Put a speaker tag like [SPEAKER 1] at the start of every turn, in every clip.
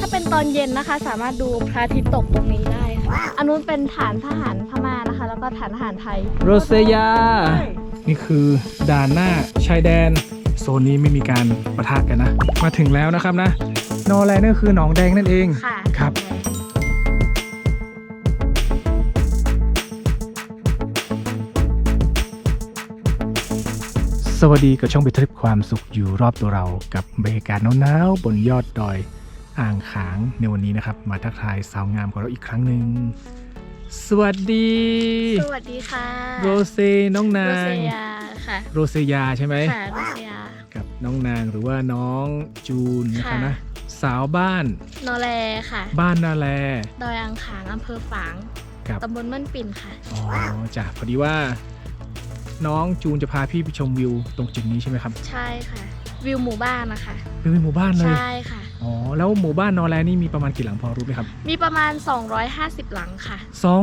[SPEAKER 1] าเป็นตอนเย็นนะคะสามารถดูพระอาทิตย์ตกตรงนี้ได้ค่ะอันนู้นเป็นฐานทหารพม่านะคะแล้วก็ฐานทหารไทย
[SPEAKER 2] โรเซยานี่คือด่านหน้าชายแดนโซนนี้ไม่มีการปะทะกันนะมาถึงแล้วนะครับนะนอแลนั่นคือหนองแดงนั่นเอง
[SPEAKER 1] ค่ะ
[SPEAKER 2] ครับสวัสดีกับช่องบิทริปความสุขอยู่รอบตัวเรากับบรรยากาศหนาวๆบนยอดดอยอ่างขางในวันนี้นะครับมาทักทายสาวงามของเราอีกครั้งหนึ่งสวัสดี
[SPEAKER 1] สวัสดีค่ะ
[SPEAKER 2] โรเซน้องนาง
[SPEAKER 1] โรเซียค่ะ
[SPEAKER 2] โรเซยาใช่ไหม
[SPEAKER 1] ค่ะโรเซีย
[SPEAKER 2] กับน้องนางหรือว่าน้องจูนนะครับนะสาวบ้าน
[SPEAKER 1] นอแลค่ะ
[SPEAKER 2] บ้านนาแล
[SPEAKER 1] ดอยอ่างขางอำเภอฝางตำบลม่อนปิ่นค่ะ
[SPEAKER 2] อ๋อจ้ะพอดีว่าน้องจูนจะพาพี่ไปชมวิวตรงจุดนี้ใช่ไหมครับ
[SPEAKER 1] ใช่ค่ะวิวหมู่บ้านนะคะ
[SPEAKER 2] วิวหมู่บ้านเลย
[SPEAKER 1] ใช่ค่ะ
[SPEAKER 2] อ๋อแล้วหมู่บ้านนอแลนี่มีประมาณกี่หลังพอรู้ไหมครับ
[SPEAKER 1] มีประมาณ250หลังค่ะ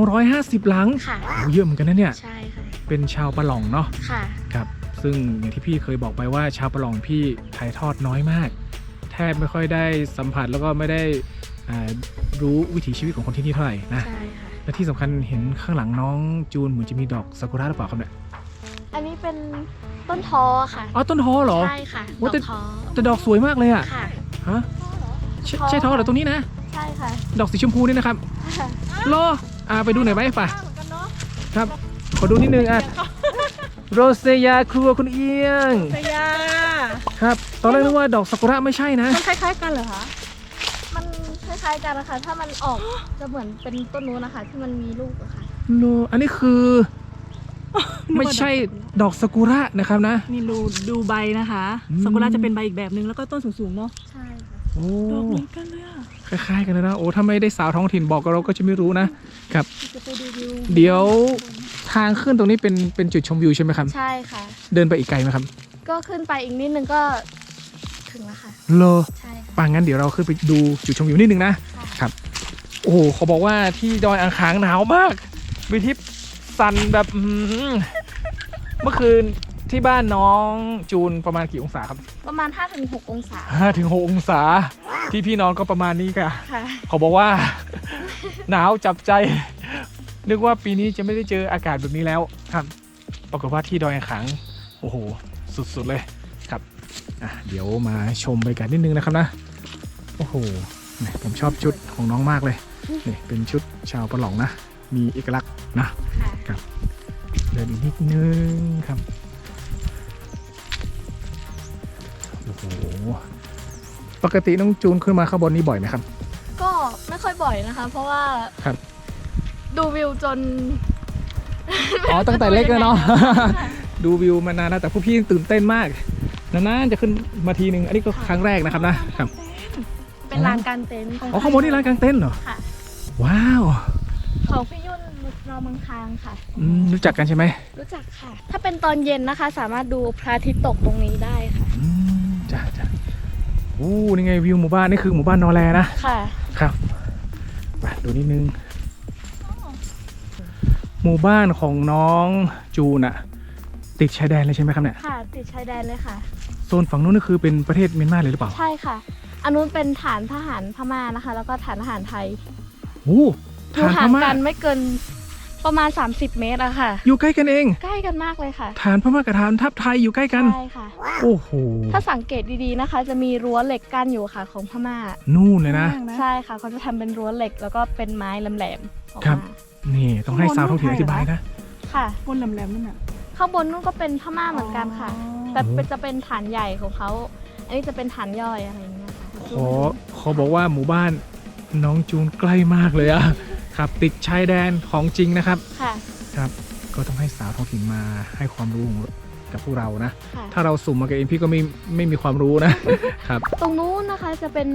[SPEAKER 2] 250หลัง
[SPEAKER 1] ค่ะ
[SPEAKER 2] โอ้เยอะเหมือนกันนะเนี่ย
[SPEAKER 1] ใช่ค่ะ
[SPEAKER 2] เป็นชาวปะหล่องเนาะ
[SPEAKER 1] ค่ะ
[SPEAKER 2] ครับซึ่งอย่างที่พี่เคยบอกไปว่าชาวปะหล่องพี่ถ่ายทอดน้อยมากแทบไม่ค่อยได้สัมผัสแล้วก็ไม่ได้รู้วิถีชีวิตของคนที่นี่เท่าไหร่นะ
[SPEAKER 1] ใช่ค่ะ
[SPEAKER 2] และที่สำคัญเห็นข้างหลังน้องจูนเหมือนจะมีดอกซากุระหรือเปล่าครับเนี่ย
[SPEAKER 1] อันนี้เป็นต้นทอค่ะ
[SPEAKER 2] อ๋อต้นทอเหรอ
[SPEAKER 1] ใช่ค่ะดอกทอ
[SPEAKER 2] แต่ดอกสวยมากเลยอ่ะ
[SPEAKER 1] ค่ะ
[SPEAKER 2] ฮะใช่ทอเหรอตรงนี้นะ
[SPEAKER 1] ใช่ค่ะ
[SPEAKER 2] ดอกสีชมพูนี่นะครับรอไปดูหน่อยไหมป่ะครับขอดูนิดนึงโรเซยาครัวคุณเอียง
[SPEAKER 1] โรเซยา
[SPEAKER 2] ครับตอนแรกนึกว่าดอกซากุระไม่ใช่นะ
[SPEAKER 1] มันคล้ายๆกันเหรอคะมันคล้ายๆกันนะคะถ้ามันออกจะเหมือนเป็นต้นนู้นนะคะที่มันมีลูกอะค่ะ
[SPEAKER 2] โนอันนี้คือไม่ใช่ดอกซากุระนะครับนะ
[SPEAKER 3] นี่ดูใบนะคะซากุระจะเป็นใบอีกแบบนึงแล้วก็ต้นสูงๆเนาะ
[SPEAKER 1] ใช่ค่ะ
[SPEAKER 2] โอ้
[SPEAKER 3] ดอกเหมือนกันเลยอะ
[SPEAKER 2] คล้ายๆกันเลยนะโอ้ถ้าไม่ได้สาวท้องถิ่นบอกเราก็จะไม่รู้นะครับ
[SPEAKER 1] จะไปดูวิว
[SPEAKER 2] เดี๋ยวทางขึ้นตรงนี้เป็นจุดชมวิวใช่ไหมครับ
[SPEAKER 1] ใช่ค่ะ
[SPEAKER 2] เดินไปอีกไกลไหมครับ
[SPEAKER 1] ก็ขึ้นไปอีกนิดนึงก็ถึงแล้วค่ะใช่
[SPEAKER 2] ป่ะงั้นเดี๋ยวเราขึ้นไปดูจุดชมวิวนิดนึงนะครับโอ้โหเขาบอกว่าที่ดอยอ่างขางหนาวมากวิทิพสั่นแบบเมื่อคืนที่บ้านน้องจูนประมาณกี่องศาครับ
[SPEAKER 1] ประมาณ 5-6 องศา
[SPEAKER 2] 5-6 องศาที่พี่นอนก็ประมาณนี้ค่ะ
[SPEAKER 1] ค่ะ
[SPEAKER 2] เขาบอกว่าหนาวจับใจนึกว่าปีนี้จะไม่ได้เจออากาศแบบนี้แล้วครับปรากฏว่าที่ดอยอ่างขางโอ้โหสุดๆเลยครับเดี๋ยวมาชมบรรยากาศนิดนึงนะครับนะโอ้โหผมชอบชุดของน้องมากเลยนี่เป็นชุดชาวปะหล่องนะมีเอกลักษณ์นะครับเดินอีกนิดนึงครับโอ้โหปกติน้องจูนขึ้นมาข้างบนนี้บ่อยไหมครับ
[SPEAKER 1] ก็ไม่ค่อยบ่อยนะคะเพราะว่า
[SPEAKER 2] ครับ
[SPEAKER 1] ดูวิวจน
[SPEAKER 2] ตั้งแต่เล็กเลยเนาะดูวิวมานานนะแต่พวกพี่ตื่นเต้นมากนานๆจะขึ้นมาทีนึงอันนี้ก็ครั้งแรกนะครับนะครับ
[SPEAKER 1] เป็นลานกางเต็นท์
[SPEAKER 2] ข้างบนนี่ลานกางเต็นท์เหรอ
[SPEAKER 1] ค่ะ
[SPEAKER 2] ว้าว
[SPEAKER 1] ของพี่ยุ่นรอเมืองคางค่ะ
[SPEAKER 2] รู้จักกันใช่ไหม
[SPEAKER 1] รู้จักค่ะถ้าเป็นตอนเย็นนะคะสามารถดูพระอาทิตย์ตกตรงนี้ได้ค่ะ
[SPEAKER 2] จ้านี่ไงวิวหมู่บ้านนี่คือหมู่บ้านนอแลนะ
[SPEAKER 1] ค่ะ
[SPEAKER 2] ครับไปดูนิดนึงหมู่บ้านของน้องจูนติดชายแดนเลยใช่ไหมครับเนี่ย
[SPEAKER 1] ค่ะติดชายแดนเลยค่ะ
[SPEAKER 2] โซนฝั่งนู้นนี่คือเป็นประเทศเมียนมาเลยหรือเปล่า
[SPEAKER 1] ใช่ค่ะอันนู้นเป็นฐานทหารพม่านะคะแล้วก็ฐานทหารไทย
[SPEAKER 2] ฐานพม่า
[SPEAKER 1] กันไม่เกินประมาณ30 เมตรอะค่ะ
[SPEAKER 2] อยู่ใกล้กันเอง
[SPEAKER 1] ใกล้กันมากเลยค่ะ
[SPEAKER 2] ฐานพม่ากับฐานทัพไทยอยู่ใกล้กัน
[SPEAKER 1] ใช่ค่ะ
[SPEAKER 2] โอ้โห
[SPEAKER 1] ถ้าสังเกตดีๆนะคะจะมีรั้วเหล็กกั้นอยู่ค่ะของพม่า
[SPEAKER 2] นู่นเลยนะ
[SPEAKER 1] ใช่ค่ะเขาจะทำเป็นรั้วเหล็กแล้วก็เป็นไม้แหลมๆออกมา
[SPEAKER 2] ครับนี่ต้องให้สาวท้องถิ่นอธิบายนะ
[SPEAKER 1] ค่ะ
[SPEAKER 3] บนแหลมๆนั่นน่ะ
[SPEAKER 1] ข้างบนนู่นก็เป็นพม่าเหมือนกันค่ะแต่จะเป็นฐานใหญ่ของเขาอันนี้จะเป็นฐานย่อยอะไรอย่างเงี้ยค่ะ
[SPEAKER 2] เขาบอกว่าหมู่บ้านน้องจูนใกล้มากเลยอะครับติดชายแดนของจริงนะครับ
[SPEAKER 1] ค่ะ
[SPEAKER 2] ครับก็ต้องให้สาวท้องถิ่นมาให้ความรู้กับพวกเรานะถ้าเราสุ่มมากับเองพี่ก็ไม่มีความรู้นะครับ
[SPEAKER 1] ตรงนู้นนะคะจะเป็น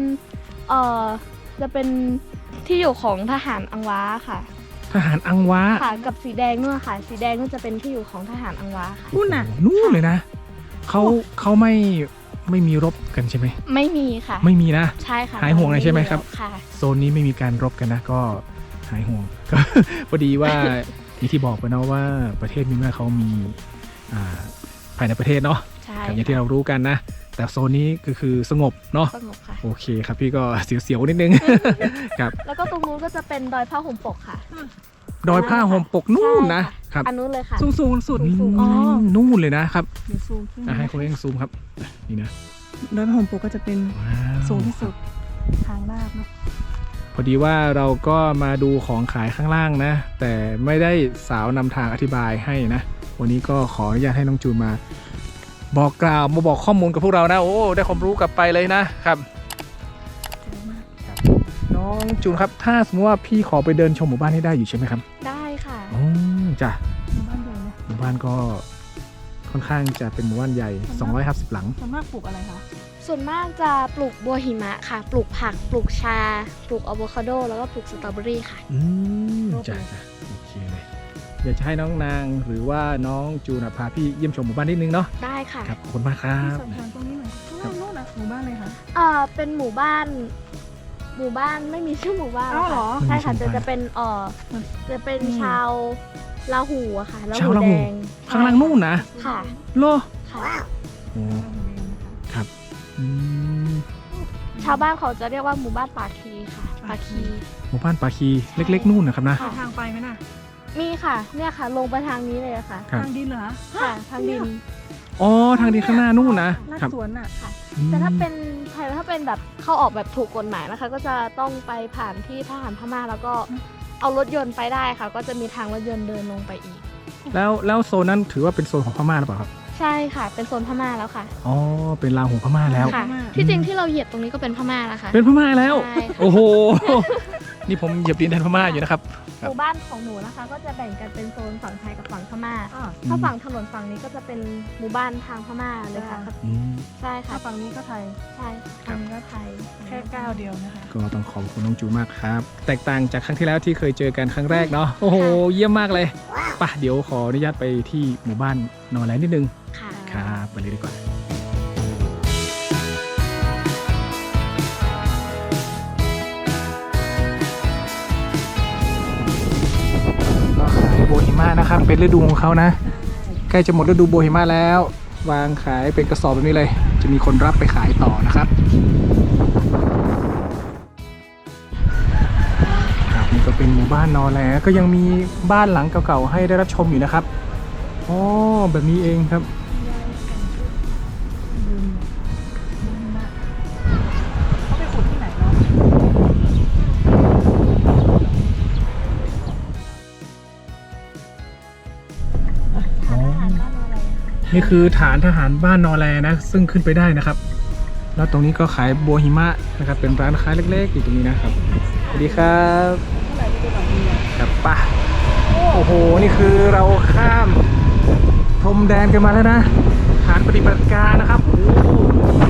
[SPEAKER 1] ที่อยู่ของทหารอังวาค่ะ
[SPEAKER 2] ทหารอังวา
[SPEAKER 1] ค่ะกับสีแดงนู่นค่ะสีแดงนู่นจะเป็นที่อยู่ของทหารอังวาค่ะ
[SPEAKER 2] นู่นเลยนะเขาไม่มีรบกันใช่ไหม
[SPEAKER 1] ไม่มีค่ะ
[SPEAKER 2] ไม่มีนะ
[SPEAKER 1] ใช่ค่ะ
[SPEAKER 2] หายห่วงเลยใช่ไหมครับ
[SPEAKER 1] ค่ะ
[SPEAKER 2] โซนนี้ไม่มีการรบกันนะก็หายห่วงก็พอดีว่าอย่างที่บอกไปนะว่าประเทศเมียนมาเขามีภายในประเทศเนาะอย่างที่เรารู้กันนะแต่โซนนี้ก็คือสงบเนาะ
[SPEAKER 1] สงบค่ะ
[SPEAKER 2] โอเคครับพี่ก็เสียวๆนิดนึง ครับ
[SPEAKER 1] แล้วก็ตรงนู้นก็จะเป็นดอยผ้าห่มปกค่ะ
[SPEAKER 2] ดอยผ้าห่มปกนู่นนะ
[SPEAKER 1] ใช่
[SPEAKER 2] ครับ
[SPEAKER 1] อันนู้นเลยค่ะ
[SPEAKER 3] สูงสูงสุด
[SPEAKER 1] สูง
[SPEAKER 3] อ๋อ
[SPEAKER 2] นู่นเลยนะครับ
[SPEAKER 3] เดี๋ยวซูมขึ้น
[SPEAKER 2] ให้คุณเองซูมครับนี่นะ
[SPEAKER 3] ดอยพระห่มปกก็จะเป็น
[SPEAKER 2] ว้าว
[SPEAKER 3] สูงที่สุดทางลาดเนาะ
[SPEAKER 2] พอดีว่าเราก็มาดูของขายข้างล่างนะ แต่ไม่ได้สาวนำทางอธิบายให้นะ วันนี้ก็ขออนุญาตให้น้องจูนมา บอกกล่าวมาบอกข้อมูลกับพวกเรานะโอ้ได้ความรู้กลับไปเลยนะครับ น้องจูนครับถ้าสมมติว่าพี่ขอไปเดินชมหมู่บ้านให้ได้อยู่ใช่ไหมครับ
[SPEAKER 1] ได้ค่ะ
[SPEAKER 2] อ๋อจ้ะ
[SPEAKER 3] หมู่บ้านใหญ่นะ
[SPEAKER 2] หมู่บ้านก็ค่อนข้างจะเป็นหมู่บ้านใหญ่250หลัง
[SPEAKER 3] ส่วนมากปลูกอะไรคะ
[SPEAKER 1] ส่วนมากจะปลูกบัวหิมะค่ะ ปลูกผัก ปลูกชา ปลูกอะโวคาโด แล้วก็ปลูกสตรอเบอรี่ค่ะ
[SPEAKER 2] จ้ะโอเคเลยอยากจะให้น้องนางหรือว่าน้องจูนพาพี่เยี่ยมชมหมู่บ้านนิดนึงเนาะ
[SPEAKER 1] ได้ค่ะ
[SPEAKER 2] ครับขอบคุณมากครั
[SPEAKER 3] ที่
[SPEAKER 2] บ
[SPEAKER 3] สอบถามตรงนี้หน่อยนู่นนะหมู่บ้านเลยค่ะ
[SPEAKER 1] เป็นหมู่บ้านไม่มีชื่อหมู่บ้าน
[SPEAKER 3] อ้าวเหรอ
[SPEAKER 1] ค่ะใช่ค่ะ
[SPEAKER 2] ไม่มีชื่อหมู่บ้าน
[SPEAKER 1] จะเป็นจะเป็น
[SPEAKER 3] อืม
[SPEAKER 1] ชาวลาหูอะค่ะลา
[SPEAKER 2] ชาว
[SPEAKER 1] หู
[SPEAKER 2] ลา
[SPEAKER 1] แด
[SPEAKER 2] หู
[SPEAKER 1] ง
[SPEAKER 2] ข้างล่างนู่นนะ
[SPEAKER 1] ค่ะ
[SPEAKER 2] โล
[SPEAKER 1] ค่ะ
[SPEAKER 2] โอ้ครับอืม
[SPEAKER 1] ชาวบ้านเขาจะเรียกว่าหมู่บ้านปาคีค่ะ ปาคี
[SPEAKER 2] หมู่บ้านปาคีเล็กๆนู่นนะครับนะ
[SPEAKER 3] มีทางไปไหมน่ะ
[SPEAKER 1] มีค่ะ เนี่ยค่ะ ลงไปทางนี้เลยอะค่ะ
[SPEAKER 2] ครับ
[SPEAKER 3] ทางดินเหรอ
[SPEAKER 1] ค่ะ ทางดิน
[SPEAKER 2] อ๋อทางดีข้างหน้านู่นนะ
[SPEAKER 3] ลาด
[SPEAKER 2] ครับ
[SPEAKER 3] สวนน่ะ
[SPEAKER 1] แต่ถ้าเป็นถ้าเป็นแบบเข้าออกแบบถูกกฎหมายนะคะ ก็จะต้องไปผ่านที่ทหารพม่าแล้วก็เอารถยนต์ไปได้ค่ะ ก็จะมีทางรถยนต์เดินลงไปอีก
[SPEAKER 2] แล้วโซนนั้นถือว่าเป็นโซนของพม่าหรือเปล่าครับ
[SPEAKER 1] ใช่ค่ะ เป็นโซนพม่าแล้วค่ะ
[SPEAKER 2] อ๋อเป็นลาวของพม่าแล้ว
[SPEAKER 1] ค่ะ ที่จริงที่เราเหยียบตรงนี้ก็เป็นพม่าแล้วค่ะ
[SPEAKER 2] เป็นพม่าแล้ว
[SPEAKER 1] ใช่ค่ะ
[SPEAKER 2] โอ้โห นี่ผมเหยียบดินแดนพม่าอยู่นะครับ
[SPEAKER 1] หมู่บ้านของหนูนะคะ ก็จะแบ่งกันเป็นโซนฝั่งไทยกับฝั่งพม่า
[SPEAKER 3] อ่า
[SPEAKER 1] ถ้าฝั่งถนนฝั่งนี้ก็จะเป็นหมู่บ้านทางพม่าเลยค่ะ
[SPEAKER 2] อืม
[SPEAKER 1] ใช่ค่ะ
[SPEAKER 3] ถ้าฝั่งนี้ก็ไทย
[SPEAKER 1] ใช่ฝั่งนี้ก็ไทย
[SPEAKER 3] แค่ก้าวเดียวนะคะ
[SPEAKER 2] ก็ต้องขอบคุณน้องจูมากครับ แตกต่างจากครั้งที่แล้วที่เคยเจอกันครั้งแรกเนาะ โอ้โห เยี่ยมมากเลยป่ะเดี๋ยวขออนุญาตไปที่หมู่บ้านนอร์แลนด์นิดนึง
[SPEAKER 1] ค่ะ
[SPEAKER 2] ครับไปเลยดีกว่าก็ขายโบฮิมานะครับ เป็นฤดูของเขานะ ใกล้จะหมดฤดูโบฮิมาแล้ว วางขายเป็นกระสอบแบบนี้เลย จะมีคนรับไปขายต่อนะครับครับนี่ก็เป็นหมู่บ้านนอร์แลนด์ก็ยังมีบ้านหลังเก่าๆให้ได้รับชมอยู่นะครับอ๋อแบบนี้เองครับ
[SPEAKER 3] เขาไปขุดที่ไหนเนาะ
[SPEAKER 1] ทานอาหารบ้านอะไรอะ
[SPEAKER 2] นี่คือฐานทหารบ้านนอร์แลนะ ซึ่งขึ้นไปได้นะครับ แล้วตรงนี้ก็ขายบัวหิมะนะครับ เป็นร้านค้าเล็กๆอยู่ตรงนี้นะครับสวัสดีครับ
[SPEAKER 3] เมื่อไหร่จะไปแบบนี้อ่ะ
[SPEAKER 2] ครับป่ะโอ้โหนี่คือเราข้ามพรมแดนกันมาแล้วนะฐานปฏิบัติการนะครับโอ้โห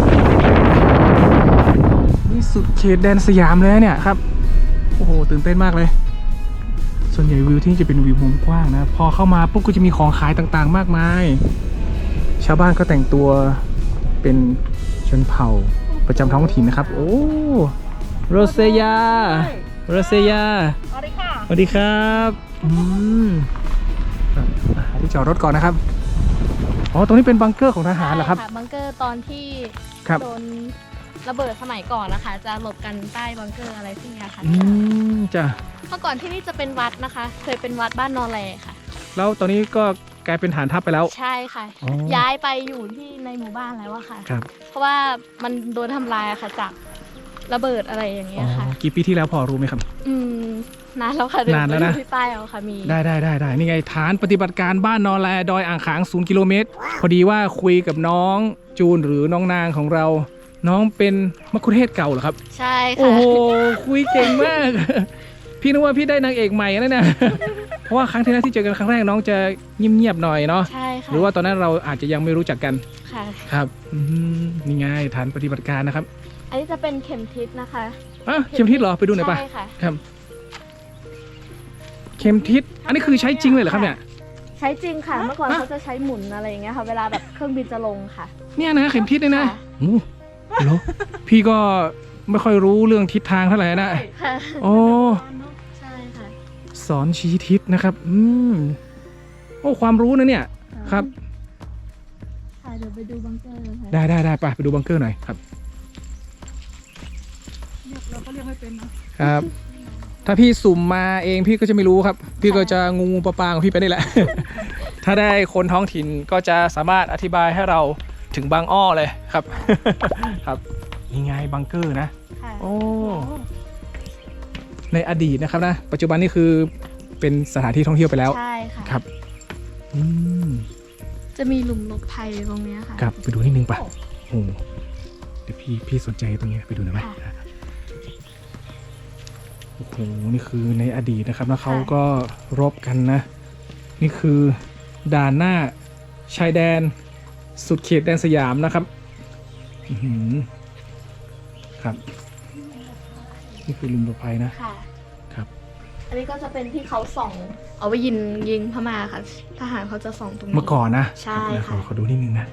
[SPEAKER 2] นี่สุดเขตแดนสยามเลยเนี่ยครับโอ้โหตื่นเต้นมากเลย ส่วนใหญ่วิวที่นี่จะเป็นวิวมุมกว้างนะพอเข้ามาปุ๊บก็จะมีของขายต่างๆ มากมาย ชาวบ้านก็แต่งตัวเป็นชนเผ่าประจำท้องถิ่นนะครับ โอ้โรเซยาโรเซยา
[SPEAKER 3] สวัสดีค่ะ
[SPEAKER 2] สวัสดีครับครับหาที่จอดรถก่อนนะครับอ๋อตรงนี้เป็นบังเกอร์ของทหารเหรอครับ
[SPEAKER 1] ใช่ะบังเกอร์ตอนที่
[SPEAKER 2] ครับ
[SPEAKER 1] โดนระเบิดสมัยก่อนนะคะ จะหลบกันใต้บังเกอร์อะไรพวกเนี้ยค่ะ
[SPEAKER 2] จ้ะ
[SPEAKER 1] เมื่อก่อนที่นี่จะเป็นวัดนะคะ เคยเป็นวัดบ้านนอแลค่ะ
[SPEAKER 2] แล้วตอนนี้ก็กลายเป็นฐานทัพไปแล้ว
[SPEAKER 1] ใช่ค่ะ
[SPEAKER 2] อ๋อ
[SPEAKER 1] ย้ายไปอยู่ที่ในหมู่บ้านแล้วอะค่ะ
[SPEAKER 2] ครับ
[SPEAKER 1] เพราะว่ามันโดนทำลายอะค่ะจากระเบิดอะไรอย่างเงี้
[SPEAKER 2] อ๋
[SPEAKER 1] ย
[SPEAKER 2] อ
[SPEAKER 1] ค่ะ
[SPEAKER 2] กี่ปีที่แล้วพอรู้ไหมครับ
[SPEAKER 1] นานแล้วค่ะเดี๋ย
[SPEAKER 2] นานแล้วนะ
[SPEAKER 1] ไปดูที่ป้ายเอาค่ะมี
[SPEAKER 2] ได้นี่ไงฐานปฏิบัติการบ้านนอแลดอยอ่างขาง0 กิโลเมตรพอดีว่าคุยกับน้องจูนหรือน้องนางของเรา น้องเป็นมัคคุเทศก์เก่าเหรอครับ
[SPEAKER 1] ใช่
[SPEAKER 2] โอ้
[SPEAKER 1] ค่ะ
[SPEAKER 2] โหคุยเก่งมาก พี่นึกว่าพี่ได้นางเอกใหม่แล้วเนี่ย เพราะว่าครั้งที่แล้วที่เจอกันครั้งแรกน้องจะเงียบๆหน่อยเนาะ
[SPEAKER 1] ใช่ค่ะ
[SPEAKER 2] หรือว่าตอนนั้นเราอาจจะยังไม่รู้จักกัน
[SPEAKER 1] ค่ะ
[SPEAKER 2] ครับนี่ไงฐานปฏิบัติการนะครับ
[SPEAKER 1] อันนี้จะเป็นเข็มทิศนะคะ
[SPEAKER 2] อ่ะเข็มทิศเหรอไปดูหน่อยป่ะ
[SPEAKER 1] ใช่ค่ะ
[SPEAKER 2] ครับ เข็มทิศอันนี้คือใช้จริงเลยเหรอครับเนี่ย
[SPEAKER 1] ใช้จริงค่ะ เมื่อก่อน
[SPEAKER 2] ฮะ
[SPEAKER 1] เขาจะใช้หมุนอะไรอย่างเงี้ยค่ะ เวลาแบบเครื่องบินจะลงค่ะ
[SPEAKER 2] เนี่ยนะเข็มทิศเนี่ยนะ
[SPEAKER 1] ค่ะ
[SPEAKER 2] โอ้เหรอพี่ก็ไม่ค่อยรู้เรื่องทิศทางเท่าไหร่นะ
[SPEAKER 1] ค่ะ
[SPEAKER 2] โอ้
[SPEAKER 1] ใช่ค่ะ
[SPEAKER 2] สอนชี้ทิศนะครับโอ้ความรู้นะเนี่ยครับ
[SPEAKER 1] ทค่ะเดี๋ยวไปดูบังเกอร์ค่ะ
[SPEAKER 2] ได้ไปดูบังเกอร์หน่อยครับ
[SPEAKER 3] เราก็เรียกไม่เป็นเนาะ
[SPEAKER 2] ครับ ถ้าพี่สุ่มมาเองพี่ก็จะไม่รู้ครับ พี่ก็จะงูปลาปลาของพี่ไปนี่แหละ ถ้าได้คนท้องถิ่นก็จะสามารถอธิบายให้เราถึงบางอ้อเลยครับ ครับนี่ไงบังเกอร์นะ
[SPEAKER 1] ค่ะ
[SPEAKER 2] โอ้ในอดีตนะครับนะปัจจุบันนี่คือเป็นสถานที่ท่องเที่ยวไปแล้ว
[SPEAKER 1] ใช่ค่ะ
[SPEAKER 2] ครับอืม
[SPEAKER 1] จะมีหลุมหลบภัยตรงเนี้ยค่ะ
[SPEAKER 2] ครับไปดูนิดนึงป่ะโอ้เดี๋ยวพี่สนใจตรงนี้ไปดูหน่อยไหม
[SPEAKER 1] ค่ะ
[SPEAKER 2] โอ้โหนี่คือในอดีตนะครับแล้วเขาก็รบกันนะ นี่คือด่านหน้าชายแดนสุดเขตแดนสยามนะครับอื้อหือครับ นี่คือหลุมหลบภัยนะ
[SPEAKER 1] ค่ะ
[SPEAKER 2] ครับ
[SPEAKER 1] อันนี้ก็จะเป็นที่เขาส่อง เอาไว้ยิงพม่าค่ะ ทหารเขาจะส่องตรงนี้
[SPEAKER 2] เมื่อก่อนนะ
[SPEAKER 1] ใช่
[SPEAKER 2] ครับ
[SPEAKER 1] ค่ะ
[SPEAKER 2] ขอดูนิดนึงนะ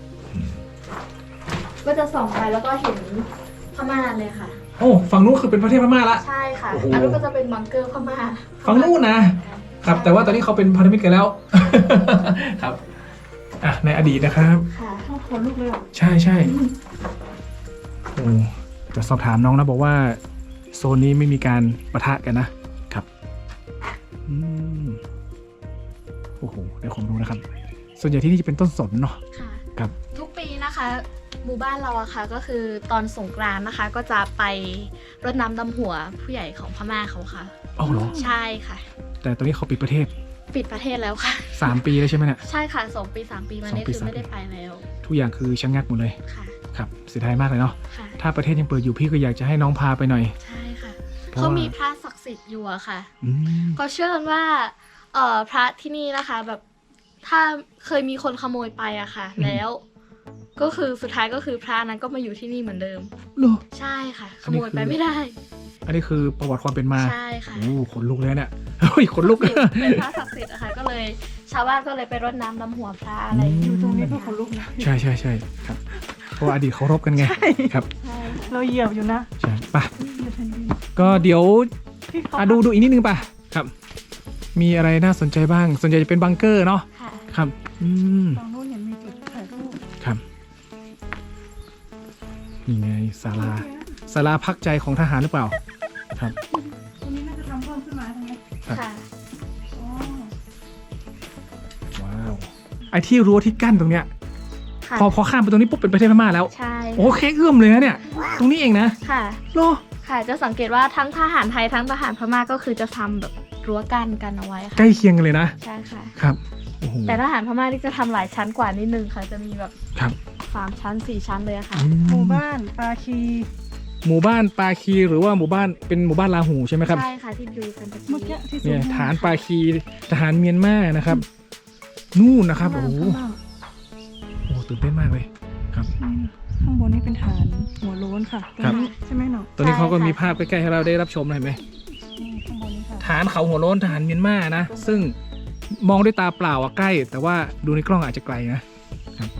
[SPEAKER 1] ก็จะส่องไปแล้วก็เห็นพม่าเลยค่ะ
[SPEAKER 2] โอ้ฝั่งนู้นคือเป็นประเทศพม่าละ
[SPEAKER 1] ใช่ค่ะ
[SPEAKER 2] โอ้โห
[SPEAKER 1] อันนู้นก็จะเป็นบังเกอร์พม่า
[SPEAKER 2] ฝั่งนู้นนะ ครับ แต่ว่าตอนนี้เขาเป็นพันธมิตรกันแล้ว ครับอ่ะในอดีตนะครับ
[SPEAKER 1] ค่ะ
[SPEAKER 3] ชอบคนลูกเลยอ่ะ
[SPEAKER 2] ใช่โอ้จะสอบถามน้องนะบอกว่าโซนนี้ไม่มีการปะทะกันนะครับอืมโอ้โหได้ความรู้นะครับ ส่วนใหญ่ที่นี่จะเป็นต้นสนเนาะ
[SPEAKER 1] ค่ะ
[SPEAKER 2] ครับ
[SPEAKER 1] ทุกปีนะคะหมู่บ้านเราอะค่ะก็คือตอนสงกรานต์นะคะ ก็จะไปรดน้ำดำหัวผู้ใหญ่ของพม่าเขาค่ะ
[SPEAKER 2] อ๋อเหรอ
[SPEAKER 1] ใช่ค่ะ
[SPEAKER 2] แต่ตอนนี้เขาปิดประเทศ
[SPEAKER 1] ปิดประเทศแล้วค่ะ
[SPEAKER 2] 3 ปีแล้วใช่ไหมเนี่ย
[SPEAKER 1] ใช่ค่ะ2 ปี 3 ปีมานี้
[SPEAKER 2] 2 ปี
[SPEAKER 1] คือ
[SPEAKER 2] 3
[SPEAKER 1] ไม่ได้ไปแล้ว
[SPEAKER 2] ทุกอย่างคือชะงักหมดเลย
[SPEAKER 1] ค่ะ
[SPEAKER 2] ครับเสียดายมากเลยเนาะ
[SPEAKER 1] ค่ะ
[SPEAKER 2] ถ้าประเทศยังเปิดอยู่พี่ก็อยากจะให้น้องพาไปหน่อย
[SPEAKER 1] ใช่ค่ะ
[SPEAKER 2] เพราะ
[SPEAKER 1] เขา
[SPEAKER 2] ว่า
[SPEAKER 1] มีพระศักดิ์สิทธิ์อยู่อะค่ะ
[SPEAKER 2] อืม
[SPEAKER 1] ก็เชื่อกันว่าพระที่นี่นะคะแบบถ้าเคยมีคนขโมยไปอะค่ะ แล้ว ก็คือสุดท้ายก็คือพระนั้นก็มาอยู่ที่นี่เหมือนเดิม
[SPEAKER 2] เหรอ
[SPEAKER 1] ใช่ค่ะ ข
[SPEAKER 2] อันนี้
[SPEAKER 1] โมย
[SPEAKER 2] คือ
[SPEAKER 1] ไปไม่ได้
[SPEAKER 2] อันนี้คือประวัติความเป็นมา
[SPEAKER 1] ใช่ค่ะ
[SPEAKER 2] โอ้ขนลุกเลยเนี่ย เฮ้ยขนลุก
[SPEAKER 1] เป็นพระศักดิ์สิทธิ์อะค่ะก็เลยชาวบ้านก็เลยไปรดน้ำดำหัวพระอะไรอย่าง
[SPEAKER 3] อ
[SPEAKER 1] เงี้ย
[SPEAKER 3] ยู่ตรงนี้ก็คนลูกนะ
[SPEAKER 2] ใช่ครับเพราะว่าอดีตเขารบกันไงครับ
[SPEAKER 1] ใช่ค่ะ
[SPEAKER 3] เราเหยียบอยู่นะ
[SPEAKER 2] ใช่ป่ะ
[SPEAKER 3] เหยียบแผ่นดิน
[SPEAKER 2] ก็เดี๋ยว
[SPEAKER 3] ที่เขา
[SPEAKER 2] ดูอีกนิดนึงป่ะครับ มีอะไรน่าสนใจบ้าง ส่วนใหญ่จะเป็นบังเกอร์เนาะ
[SPEAKER 1] ค่ะ
[SPEAKER 2] ครับอืม
[SPEAKER 3] ฝั่งนู้นเห็นมีจุดถ่ายรูป
[SPEAKER 2] ครับนี่ไงศาลาพักใจของทหารหรือเปล่าครับ
[SPEAKER 3] ตรงนี้น่าจะทำเพิ่มขึ้นมาใช่ไหม
[SPEAKER 2] ครับ
[SPEAKER 1] ค่ะ
[SPEAKER 3] อ๋อ
[SPEAKER 2] ว้าวไอ้ที่รั้วที่กั้นตรงเนี้ย
[SPEAKER 1] ค่ะ
[SPEAKER 2] พอข้ามไปตรงนี้ปุ๊บเป็นประเทศพม่าแล้ว
[SPEAKER 1] ใช่
[SPEAKER 2] โอ้แค่เอื้อมเลยนะเนี่ย ตรงนี้เองนะ
[SPEAKER 1] ค่ะ
[SPEAKER 2] โล
[SPEAKER 1] ค่ะจะสังเกตว่าทั้งทหารไทยทั้งทหารพม่าก็คือจะทำแบบรั้วกั้นกันเอาไว้
[SPEAKER 2] ใก
[SPEAKER 1] ค่ะ
[SPEAKER 2] ล้เคียงกันเลยนะ
[SPEAKER 1] ใช่ค่ะ
[SPEAKER 2] ครับโอ้โห
[SPEAKER 1] แต่ทหารพม่าที่จะทำหลายชั้นกว่านิดนึงค่ะ จะมีแบบ
[SPEAKER 2] ครับ
[SPEAKER 1] 3 ชั้น 4 ชั้นเลยอะค่ะ
[SPEAKER 2] อื
[SPEAKER 3] หมู่บ้านปาคี
[SPEAKER 2] หมู่บ้านปาคีหรือว่าหมู่บ้านเป็นหมู่บ้านลาหูใช่ไหมครับ
[SPEAKER 1] ใช่ค่ะที่ดูกันตะ
[SPEAKER 3] เมื่อ
[SPEAKER 1] กี้
[SPEAKER 3] กี้ที่
[SPEAKER 2] เนี่ย
[SPEAKER 3] ซูม
[SPEAKER 2] ฐานปาคีทหารเมียนมานะครับ นู่นนะครับ โอ้โห
[SPEAKER 3] ข้างล่าง
[SPEAKER 2] โอ้โหตื่นเต้นมากเลยครับ
[SPEAKER 3] ข้างบนนี่เป็นฐานหัวโล้นค่ะตรง
[SPEAKER 2] ครับ
[SPEAKER 3] นี้ใช่ไหมเนาะ
[SPEAKER 2] ตอนนี้เขาก็มีภาพใกล้ๆให้เราได้รับชมเลยเห็นไหม
[SPEAKER 3] นี่ข้างบนนี่ค่ะ
[SPEAKER 2] ฐานเขาหัวโล้นทหารเมียนมานะ ซึ่งมองด้วยตาเปล่าอะใกล้ แต่ว่าดูในกล้องอาจจะไกลนะครับ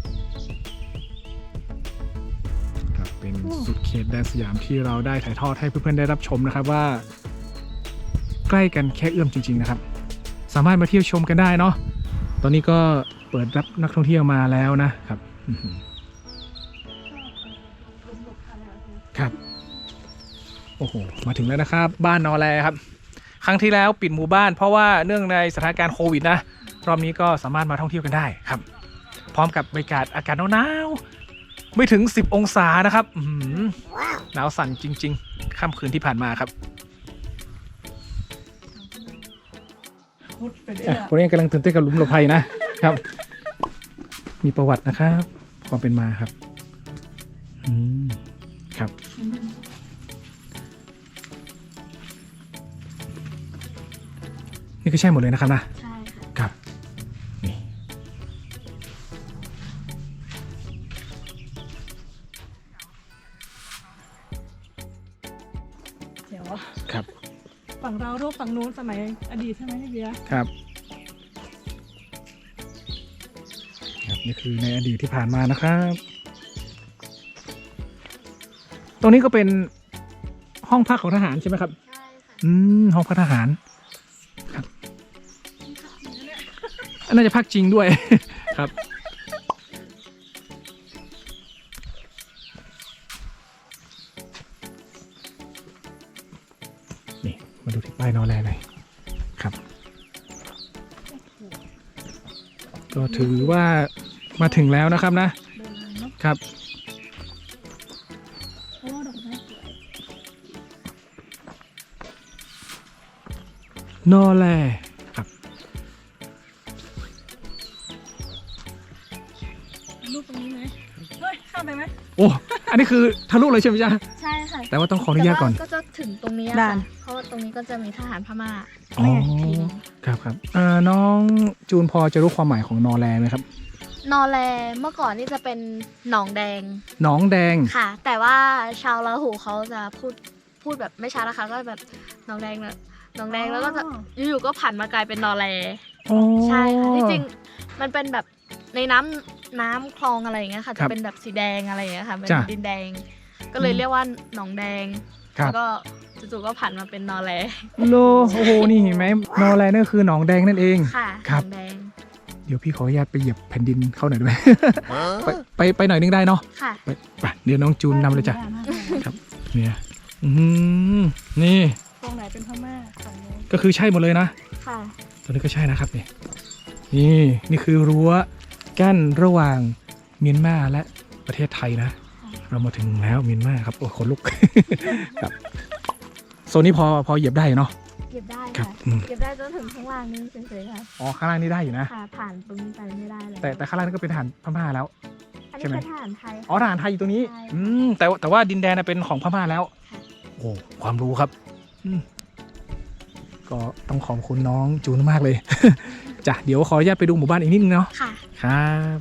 [SPEAKER 2] ครับเป็นสุดเขตแดนสยามที่เราได้ถ่ายทอดให้เพื่อนๆได้รับชมนะครับว่า ใกล้กันแค่เอื้อมจริง ๆนะครับ สามารถมาเที่ยวชมกันได้เนาะตอนนี้ก็เปิดรับนักท่องเที่ยวมาแล้วนะครับอื้อหือครับโอ้โหมาถึงแล้วนะครับ บ้านนอแลครับ ครั้งที่แล้วปิดหมู่บ้านเพราะว่าเนื่องในสถานการณ์โควิดนะรอบนี้ก็สามารถมาท่องเที่ยวกันได้ครับ พร้อมกับบรรยากาศอากาศหนาวๆไม่ถึง 10 องศานะครับอื้อหือหนาวสั่นจริงๆค่ำคืนที่ผ่านมาครับ
[SPEAKER 3] พุทธไปเรื่
[SPEAKER 2] อ่ะ
[SPEAKER 3] อย
[SPEAKER 2] คนนี้กำลังตื่นเต้นกับหลุมหลบภัยนะครับ มีประวัตินะครับความเป็นมาครับอืมครับ นี่ก็ใช่หมดเลยนะครับนะ
[SPEAKER 1] ใช่ค่ะ
[SPEAKER 2] ครับนี่
[SPEAKER 3] เดี๋ยว
[SPEAKER 2] ครับ
[SPEAKER 3] ฝั่งเรารูปฝั่งนู้นสมัยอดีตใช่ไหมพี่เบียร์
[SPEAKER 2] ครับครับนี่คือในอดีตที่ผ่านมานะครับ ตรงนี้ก็เป็นห้องพักของทหารใช่ไหมครับ
[SPEAKER 1] ใช่ค่ะ
[SPEAKER 2] ห้องพักทหารครับน่าจะพักจริงด้วย ครับมาดูที่ป้ายนอแลหน่อยครับ ก็ถือว่ามาถึงแล้วนะครับนะ
[SPEAKER 3] เดินเนาะ
[SPEAKER 2] ครับ
[SPEAKER 3] โอ้ดอกไม้สวย
[SPEAKER 2] นอแลครับ
[SPEAKER 3] รูปตรงนี้ไหมเฮ้ยข้ามไปไหม
[SPEAKER 2] โอ้อันนี้คือทะลุเลยใช่ไหมจ๊ะ
[SPEAKER 1] ใช่ค่ะ
[SPEAKER 2] แต่ว่าต้องขออนุญาตก่อน
[SPEAKER 1] แต่ว่ก็จะถึงตรงนี้
[SPEAKER 3] ด่าน
[SPEAKER 1] ค่ะเพราะว่าตรงนี้ก็จะมีทหารพม่า
[SPEAKER 2] อ๋อ
[SPEAKER 1] ทีหนึง
[SPEAKER 2] ครับครับน้องจูนพอจะรู้ความหมายของนอแลไหมครับ
[SPEAKER 1] นอแลเมื่อก่อนนี่จะเป็นหนองแดง
[SPEAKER 2] หนองแดง
[SPEAKER 1] ค่ะ แต่ว่าชาวลาหูเขาจะพูดแบบไม่ชัดนะคะก็แบบหนองแดงนะหนองแดงแล้วก็จะอยู่ๆก็ผันมากลายเป็นนอแล
[SPEAKER 2] อ๋อ
[SPEAKER 1] ใช่ค่ะที่จริงมันเป็นแบบในน้ำคลองอะไรอย่างเงี้ยค่ะ
[SPEAKER 2] ครั
[SPEAKER 1] จะ
[SPEAKER 2] บ
[SPEAKER 1] เป็นแบบสีแดงอะไรอย่างเงี้ยค่ะเป็น
[SPEAKER 2] จ้ะ
[SPEAKER 1] ดินแดง ก็เลยเรียกว่าหนองแดง
[SPEAKER 2] ครับ
[SPEAKER 1] แล้วก็จู่ๆก็ผันมาเป็นนอแล
[SPEAKER 2] โลโอ้โหนี่เห็นไหมนอแลนั่นคือหนองแดงนั่นเอง
[SPEAKER 1] ค่ะ
[SPEAKER 2] ครับ
[SPEAKER 1] หนองแดง
[SPEAKER 2] เดี๋ยวพี่ขออนุญาตไปเหยียบแผ่นดินเข้าหน่อยได้ไหม ไปหน่อยนึงได้เนาะ
[SPEAKER 1] ค่ะ
[SPEAKER 2] ไปเดี๋ยวน้องจูนนำเลยจ้ะครับเนี่ยอืมนี่
[SPEAKER 3] ตรงไหนเป็นพม่าฝั่งนู้น
[SPEAKER 2] ก็คือใช่หมดเลยนะ
[SPEAKER 1] ค่ะ
[SPEAKER 2] ตัวนี้ก็ใช่นะครับนี่นี่คือรั้วกั้นระหว่างเมียนมาและประเทศไทยนะ เรามาถึงแล้วเมียนมาครับโอ้ขนลุก ครับโซนนี้พอเหยียบได้เนาะ
[SPEAKER 1] เก็บได้
[SPEAKER 2] ครั
[SPEAKER 1] ค่ะ
[SPEAKER 2] บอืม
[SPEAKER 1] เก็บได้จนถึงข้างล่างนี่เฉยๆค่ะ
[SPEAKER 2] อ๋อข้างล่างนี่ได้อยู่นะ
[SPEAKER 1] ค่ะผ่านตรงนี้ไปไม่ได้เลย
[SPEAKER 2] แต่ข้างล่างนี่ก็เป็นทหารพม่าแล้ว
[SPEAKER 1] อัน
[SPEAKER 2] ใช่
[SPEAKER 1] นี้
[SPEAKER 2] ไหม
[SPEAKER 1] เป็นทหารไทย
[SPEAKER 2] อ๋อทหารไทยอยู่ตรงนี้
[SPEAKER 1] ใช่
[SPEAKER 2] แต่ว่าดินแดนน่ะเป็นของพม่าแล้ว
[SPEAKER 1] ค่ะ
[SPEAKER 2] โอ้ความรู้ครับก็ต้องขอบคุณน้องจูนมากเลย จ้ะเดี๋ยวขออนุญาตไปดูหมู่บ้านอีกนิดนึงเนาะ
[SPEAKER 1] ค่ะ
[SPEAKER 2] ครับ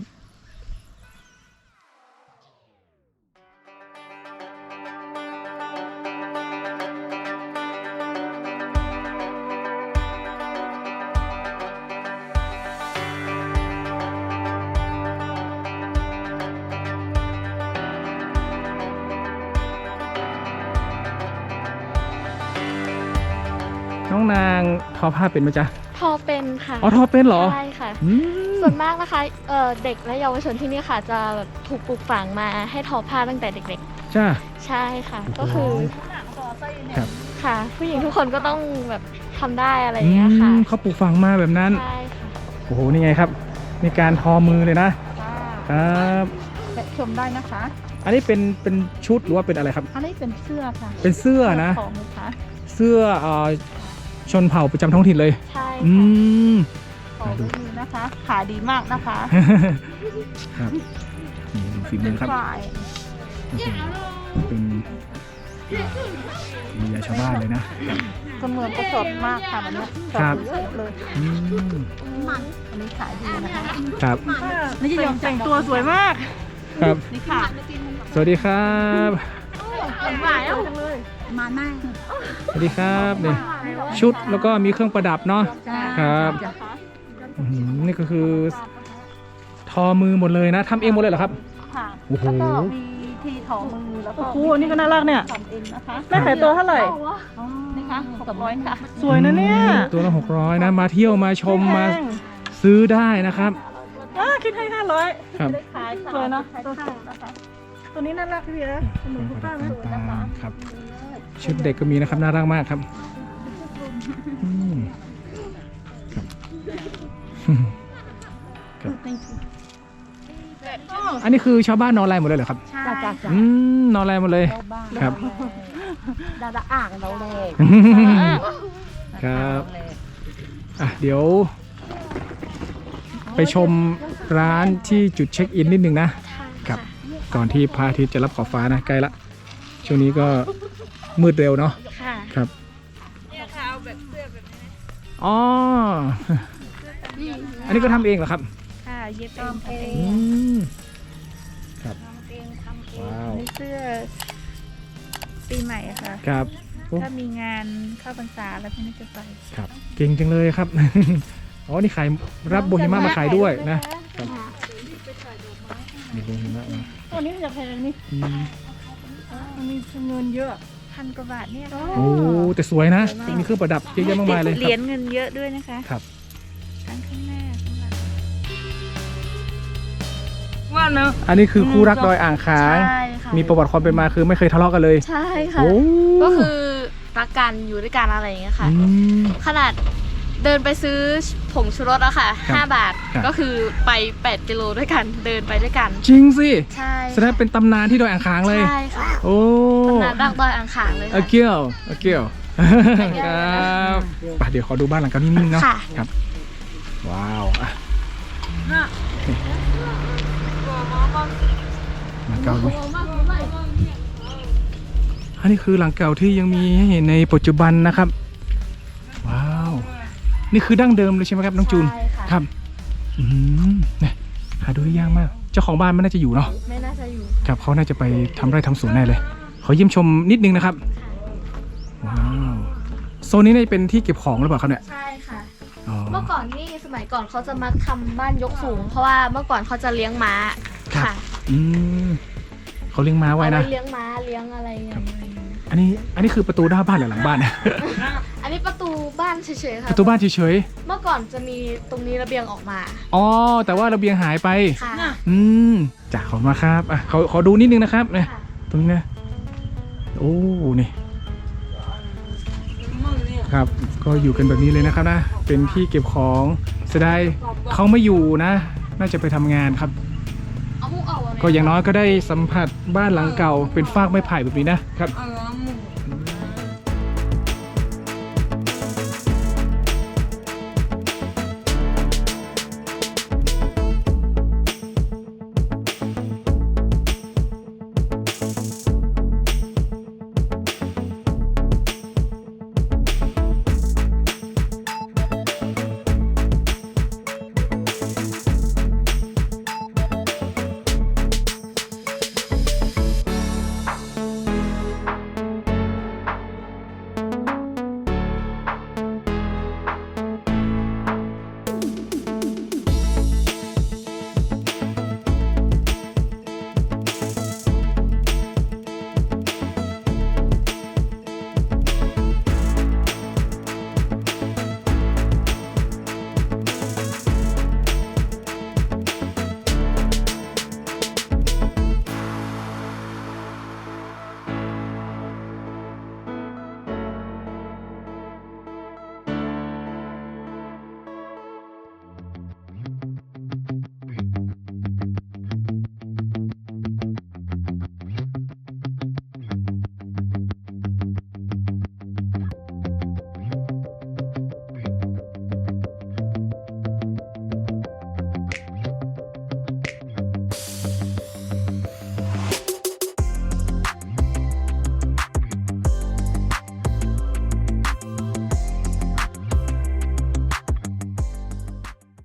[SPEAKER 2] น้องนางทอผ้าเป็นไหมจ๊ะ
[SPEAKER 1] ทอเป็นค่ะ
[SPEAKER 2] อ๋อทอเป็นเหรอ
[SPEAKER 1] ใช่ค่ะ
[SPEAKER 2] อืม
[SPEAKER 1] ส่วนมากนะคะเด็กและเยาวชนที่นี่ค่ะ จะแบบถูกปลูกฝังมาให้ทอผ้าตั้งแต่เด็ก
[SPEAKER 2] จ้า
[SPEAKER 1] ๆ ใช่ค่ะ
[SPEAKER 2] โอ้โห
[SPEAKER 1] ก็คือ
[SPEAKER 3] หนังต่อไส้เนี่ย
[SPEAKER 2] ครับ
[SPEAKER 1] ค่ะ ผู้หญิงทุกคนก็ต้องแบบทำได้อะไรอย่างเงี้ยค่ะ
[SPEAKER 2] เขาปลูกฝังมาแบบนั้น
[SPEAKER 1] ใช่ค่ะ
[SPEAKER 2] โอ้โห นี่ไงครับ มีการทอมือเลยนะ ครับ
[SPEAKER 3] และชมได้นะคะ
[SPEAKER 2] อันนี้เป็นชุดหรือว่าเป็นอะไรครับ
[SPEAKER 3] อันนี้เป็นเสื้อค่ะ
[SPEAKER 2] เป็นเสื้อนะ
[SPEAKER 3] ของนะคะ
[SPEAKER 2] เสื้อชนเผ่าประจำท้องถิ่นเลย
[SPEAKER 1] ใช่
[SPEAKER 2] อื
[SPEAKER 1] ค่ะ
[SPEAKER 2] ม
[SPEAKER 3] ของมือนะคะ ขายดีมากนะคะ
[SPEAKER 2] ครับนี่ดูฝีมือครับ
[SPEAKER 3] ฝ่าย
[SPEAKER 2] โอ้โหเป็นมียาชาวบ้านเลยนะ
[SPEAKER 3] เสมือนก็สดมากค่ะวันนี้ส
[SPEAKER 2] ครับ
[SPEAKER 3] ดเยอะเลย
[SPEAKER 2] อืม
[SPEAKER 3] อันนี้ขายดีนะคะ
[SPEAKER 2] ครับ
[SPEAKER 3] นี่จะยอมแต่งตัวสวยมาก
[SPEAKER 2] ครับ
[SPEAKER 3] นี่ค่ะ
[SPEAKER 2] สวัสดีครับ
[SPEAKER 1] หวานอ่ะ
[SPEAKER 3] จังเลยมาหน้า
[SPEAKER 2] สวัสดีครับนี่ชุดแล้วก็มีเครื่องประดับเนาะ ครับ อื้อหือนี่ก็คือทอมือหมดเลยนะทำเองหมดเลยเหรอครับ
[SPEAKER 3] ค่ะ
[SPEAKER 2] โอ้โห
[SPEAKER 3] แล้วก็มีที่ถอมือแล้วก็โอ้โหนี่ก็น่ารักเนี่ยทำเองนะคะแม่ขายตัวเท่าไหร่นี่คะ600ค่ะ สวยนะเนี่ย
[SPEAKER 2] ตัวละ600นะมาเที่ยวมาชมมา
[SPEAKER 3] แพง
[SPEAKER 2] ซื้อได้นะครับ
[SPEAKER 3] คิดให้500
[SPEAKER 2] ครับ
[SPEAKER 3] ขายสวยเนาะตัวสวยนะคะตัวนี้น่ารักพี่นะหนูคุณป้าไหม
[SPEAKER 2] ต่างๆครับ ชุดเด็กก็มีนะครับน่ารักมากครับอืมครับครับอันนี้คือชาวบ้านนอแลหมดเลยเหรอครับ
[SPEAKER 1] ใช่ค่ะ
[SPEAKER 2] นอแลหมดเลยครับ
[SPEAKER 3] ดาดาอ่างเราเลย
[SPEAKER 2] ครับอ่ะเดี๋ยว ไปชมร้านที่จุดเช็คอินนิดนึงนะ ครับ ก่อนที่พระอาทิตย์จะรับขอบฟ้านะใกล้ละช่วงนี้ก็มืดเร็วเนาะ
[SPEAKER 1] ค่ะ
[SPEAKER 2] ครับอ๋ออันนี้ก็ทำเองเหรอครับ
[SPEAKER 1] ค่ะเย็บเอง
[SPEAKER 2] อืมครับว้าว
[SPEAKER 4] เสื้อปีใหม่อะค่ะ
[SPEAKER 2] ครับโอ้
[SPEAKER 4] ถ้ามีงานเข้าพรรษาแล้วพี่น่าจะไป
[SPEAKER 2] ครับเก่งจังเลยครับ อ๋อนี่ขายรับโบฮิมามาขายด้วยนะครับมีโบฮิมามา
[SPEAKER 3] ตัวนี้จะแพงนี่
[SPEAKER 2] อืม
[SPEAKER 3] มันมีเงินเยอะ
[SPEAKER 4] 1,000 กว่าบาทเนี่ย
[SPEAKER 2] โอ้แต่สวยนะมีเครื่องประดับเยอะแยะมากมายเลยค
[SPEAKER 4] เห
[SPEAKER 2] รั
[SPEAKER 4] รีย
[SPEAKER 2] บ
[SPEAKER 4] ญเงินเยอะด้วยนะคะ
[SPEAKER 2] ครับ
[SPEAKER 4] ทั้งข้างหน้าข้างหลัง
[SPEAKER 3] ว่าเนอะ
[SPEAKER 2] อันนี้คือคู่รักดอยอ่างขาง
[SPEAKER 1] ใช่ค่ะ
[SPEAKER 2] มีประวัติความเป็นมาคือไม่เคยทะเลาะกันเลย
[SPEAKER 1] ใช่ค่ะ
[SPEAKER 2] โอ้
[SPEAKER 1] ก็คือรักกันอยู่ด้วยกันอะไรอย่างเงี้ยค่ะ
[SPEAKER 2] อืม
[SPEAKER 1] ขนาดเดินไปซื้อผงชูรสอะค่ะ
[SPEAKER 2] ครับ
[SPEAKER 1] 5 บาท
[SPEAKER 2] ครับ
[SPEAKER 1] ก็คือไป8กิโลด้วยกันเดินไปด้วยกัน
[SPEAKER 2] จริงสิ
[SPEAKER 1] ใช่
[SPEAKER 2] แสดงเป็นตำนานที่ดอยอ่างขางเลย
[SPEAKER 1] ใช่ค่ะ
[SPEAKER 2] โอ้
[SPEAKER 1] ตำนานรักดอยอ่างขางเลย
[SPEAKER 2] อา
[SPEAKER 1] ค่ะ
[SPEAKER 2] เกียวอาเกียวครับไปเดี๋ยวขอดูบ้านหลังเก่านิ่งๆเนาะ
[SPEAKER 1] ค่ะ
[SPEAKER 2] ครับว้าวอ่ะหลังเก่าเลยอันนี้คือหลังเก่าที่ยังมีให้เห็นในปัจจุบันนะครับว้าวนี่คือดั้งเดิมเลยใช่ไหมครับน้องจูน
[SPEAKER 1] ใช่ค่ะ
[SPEAKER 2] ครับเนี่ยหาดูได้ยากมากเจ้าของบ้านไม่น่าจะอยู่เนาะ
[SPEAKER 1] ไม่น่าจะอยู่
[SPEAKER 2] ครับเขาน่าจะไปทำไร่ทำสวนแน่เลย ขอเยี่ยมชมนิดนึงนะครับ ว้าวโซนนี้น่าจะเป็นที่เก็บของหรือเปล่าครับเนี่ย
[SPEAKER 1] ใช่ค่ะ
[SPEAKER 2] อ๋อ
[SPEAKER 1] เมื่อก่อนนี่สมัยก่อนเขาจะมาทำบ้านยกสูง เพราะว่าเมื่อก่อนเขาจะเลี้ยงม้า
[SPEAKER 2] ครับ
[SPEAKER 1] ค่ะ
[SPEAKER 2] อืมเขาเลี้ยงม้าไว้
[SPEAKER 1] เอา
[SPEAKER 2] นะ
[SPEAKER 1] ไว้เลี้ยงม้าเลี้ยงอะไรอย่างเงี้ย
[SPEAKER 2] อันนี้คือประตูหน้าบ้านหรือหลังบ้าน
[SPEAKER 1] อันนี้ประตูบ้านเฉยๆค่ะ
[SPEAKER 2] ประตูบ้านเฉย
[SPEAKER 1] เมื่อก่อนจะมีตรงนี้ระเบียงออกมา
[SPEAKER 2] ๆอ๋อแต่ว่าระเบียงหายไป
[SPEAKER 1] ค่ะ
[SPEAKER 2] อืมจ้าขอบคุณมากครับอ่ะขอดูนิดนึงนะครับเนี่ย
[SPEAKER 1] ค่ะ
[SPEAKER 2] ตรงนี้นะโอ้นี่ครับก็อยู่กันแบบนี้เลยนะครับนะเป็นที่เก็บของเสียดายเขาไม่อยู่นะ น่าจะไปทำงานครับ
[SPEAKER 1] เอามุกออก
[SPEAKER 2] ก็อย่างน้อยก็ได้สัมผัสบ้านหลังเก่าเป็นฟากไม้ไผ่แบบนี้นะครับ